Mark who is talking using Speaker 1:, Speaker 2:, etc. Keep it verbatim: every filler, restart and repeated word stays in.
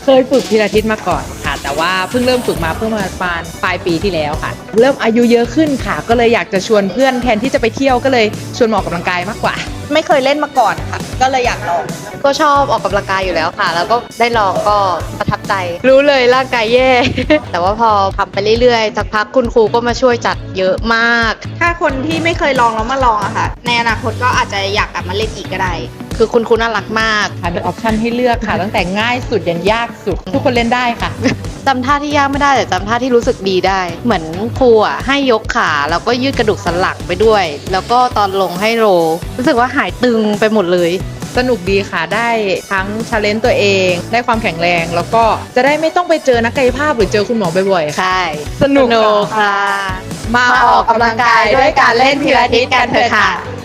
Speaker 1: เคยฝึกพิลาทิสมาก่อนค่ะแต่ว่าเพิ่งเริ่มฝึกมาเพิ่งมาประมาณปลายปีที่แล้วค่ะเริ่มอายุเยอะขึ้นค่ะก็เลยอยากจะชวนเพื่อนแทนที่จะไปเที่ยวก็เลยชวนมาออกกำลังกายมากกว่า
Speaker 2: ไม่เคยเล่นมาก่อนค่ะก็เลยอยากลอง
Speaker 3: ก็ชอบออกกำลังกายอยู่แล้วค่ะแล้วก็ได้ลองก็ประทับใจรู้เลยร่างกายแย่ แต่ว่าพอทำไปเรื่อยๆสักพักคุณครูก็มาช่วยจัดเยอะมาก
Speaker 2: ถ้าคนที่ไม่เคยลองแล้วมาลองอะค่ะในอนาคตก็อาจจะอยากกลับมาเล่นอีกก็ได้
Speaker 3: คือคุณครูน่ารักมาก
Speaker 1: ค่ะมีออปชันให้เลือกค่ะตั้งแต่ง่ายสุดยันยากสุดทุกคนเล่นได้ค่ะ
Speaker 3: จำท่าที่ยากไม่ได้แต่จำท่าที่รู้สึกดีได้เหมือนครูอ่ะให้ยกขาแล้วก็ยืดกระดูกสันหลังไปด้วย แล้วก็ตอนลงให้โรรู้สึกว่าหายตึงไปหมดเลย
Speaker 1: สนุกดีค่ะได้ทั้งชาเลนจ์ตัวเองได้ความแข็งแรงแล้วก็จะได้ไม่ต้องไปเจอนักกายภาพหรือเจอคุณหมอบ่อยๆ
Speaker 3: ใช่
Speaker 1: สนุก
Speaker 3: ค่ะ
Speaker 1: มาออกกำลังกายด้วยการเล่นพิลาทิสกันเถอะค่ะ